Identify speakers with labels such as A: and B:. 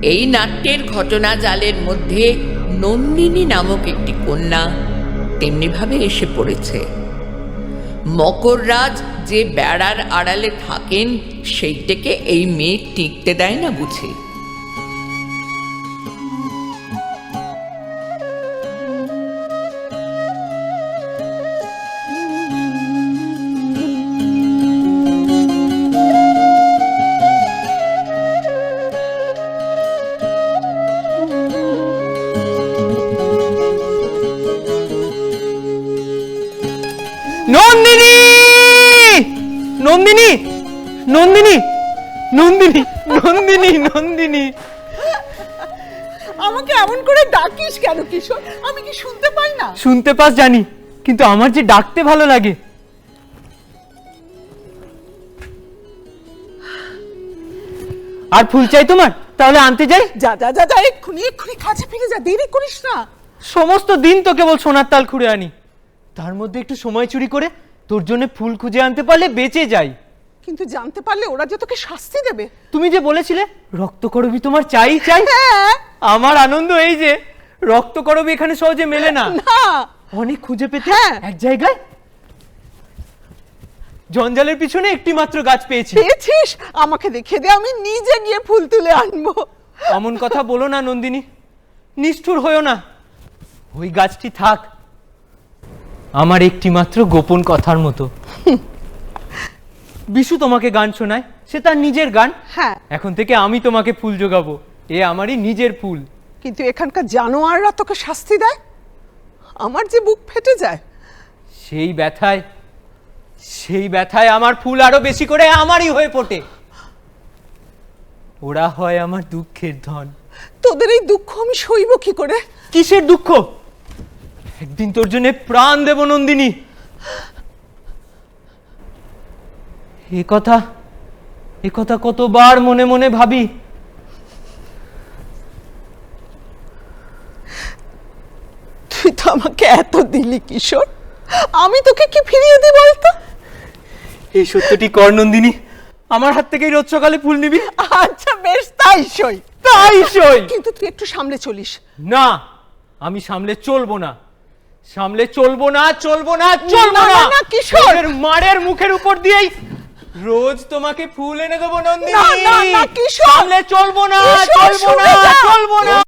A: এই নাট্যের ঘটনা জালের মধ্যে নন্দিনী নামক একটি কন্যা তেমনিভাবে এসে পড়েছে। মকররাজ যে বেড়ার আড়ালে থাকেন সেইটাকে এই মেয়ে টিকতে দেয় না বুঝি।
B: নন্দিনী, নন্দিনী, নন্দিনী, নন্দিনী, নন্দিনী, নন্দিনী।
C: আমাকে এমন করে ডাকিস কেন কিশোর? আমি কি শুনতে পাই না?
B: শুনতে পাস জানি, কিন্তু আমার যে ডাকতে ভালো লাগে। আর ফুল চাই তোমার? তাহলে আনতে যাই।
C: যা যা যা যা, এক্ষুনি এক্ষুনি কাছে ফিরে যা, দেরি করিস না।
B: সমস্ত দিন তো কেবল সোনার তাল খুঁড়ে আনি, তার মধ্যে একটু সময় চুরি করে তোর জন্য ফুল খুঁজে আনতে পারলে বেঁচে যাই।
C: কিন্তু জানতে পারলে ওরা যে তোকে শাস্তি দেবে।
B: তুমি যে বলেছিলে রক্তকরবী তোমার চাই চাই,
C: হ্যাঁ।
B: আমার আনন্দ এই যে রক্তকরবী এখানে সহজে মেলে না।
C: না,
B: অনেক খুঁজে পেতে
C: হ্যাঁ।
B: এক জায়গায় জঞ্জালের পিছনে একটি মাত্র গাছ পেয়েছি।
C: পেয়েছিস? আমাকে দেখিয়ে দে, আমি নিজে গিয়ে ফুল তুলে আনবো।
B: এমন কথা বলো না নন্দিনী, নিষ্ঠুর হয়েও না। ওই গাছটি থাক আমার একটি মাত্র গোপন কথার মতো। বিশু তোমাকে গান শোনায়, সে তার নিজের গান।
C: হ্যাঁ,
B: এখন থেকে আমি তোমাকে ফুল জোগাবো, এ আমারই নিজের ফুল।
C: কিন্তু এখানকার জানোয়াররা তোকে শাস্তি দেয়, আমার যে বুক ফেটে যায়।
B: সেই ব্যথায় আমার ফুল আরো বেশি করে আমারই হয়ে ফোটে। ওরা হয় আমার দুঃখের ধন।
C: তোদের এই দুঃখ আমি সইব কি করে?
B: কিসের দুঃখ? একদিন তোর জন্য প্রাণ দেব নন্দিনী। এ কথা কতবার মনে মনে ভাবি।
C: তুই তো আমাকে এত দিলি কিশোর, আমি তোকে কি ফিরিয়ে দিই বলতো?
B: এই সত্যটি কর নন্দিনী, আমার হাত থেকেই রোজ সকালে ফুল নিবি।
C: আচ্ছা বেশ, তাই সই। কিন্তু তুই একটু সামলে চলিস।
B: না, আমি সামলে চলবো না, চলবো না।
C: না, কিশোর।
B: মারের মুখের উপর দিয়েই রোজ তোমাকে ফুল এনে দেবো নন্দিনী।
C: না, কিশোর।
B: সামলে চলবো না,
C: কিশোর,
B: চলবো না।